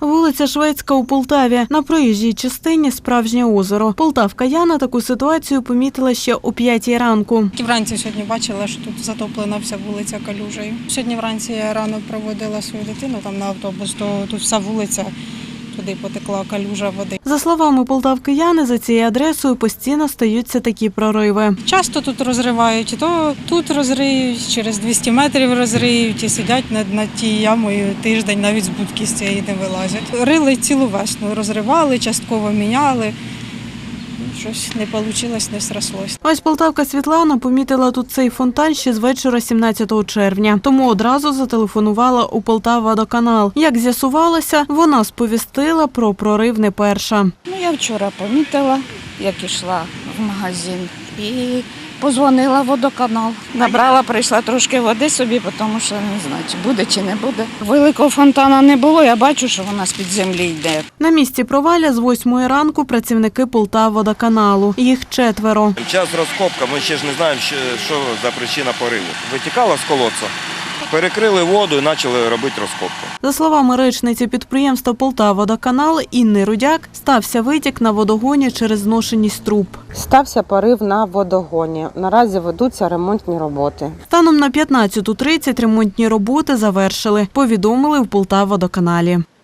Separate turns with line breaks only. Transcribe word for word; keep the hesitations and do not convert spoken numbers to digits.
Вулиця Шведська у Полтаві. На проїжджій частині справжнє озеро. Полтавка Яна таку ситуацію помітила ще о п'ятій ранку.
Вранці сьогодні бачила, що тут затоплена вся вулиця калюжею. Сьогодні вранці я рано проводила свою дитину там на автобус, то тут вся вулиця, туди потекла калюжа води.
За словами полтавки Яни, за цією адресою постійно стаються такі прориви.
Часто тут розривають, то тут розриють, через двісті метрів розриють і сидять над, над тією ямою тиждень, навіть з будки з цієї не вилазять. Рили цілу весну, розривали, частково міняли. Щось не вийшло, не срослось.
Ось полтавка Світлана помітила тут цей фонтан ще з вечора сімнадцятого червня. Тому одразу зателефонувала у Полтававодоканал. Як з'ясувалося, вона сповістила про прорив не перша.
Ну, я вчора помітила, як йшла в магазин і позвонила в водоканал. Набрала, прийшла трошки води собі, тому що не знаю, чи буде, чи не буде. Великого фонтана не було, я бачу, що вона з-під землі йде.
На місці провалля з восьмої ранку працівники Полтававодоканалу. Їх четверо.
Час розкопка, ми ще ж не знаємо, що за причина пориву. Витікала з колодця, перекрили воду і почали робити розкопку.
За словами речниці підприємства Полтававодоканал Інни Рудяк, стався витік на водогоні через зношеність труб.
Стався порив на водогоні. Наразі ведуться ремонтні роботи.
Станом на п'ятнадцяту тридцять ремонтні роботи завершили, повідомили в Полтававодоканалі.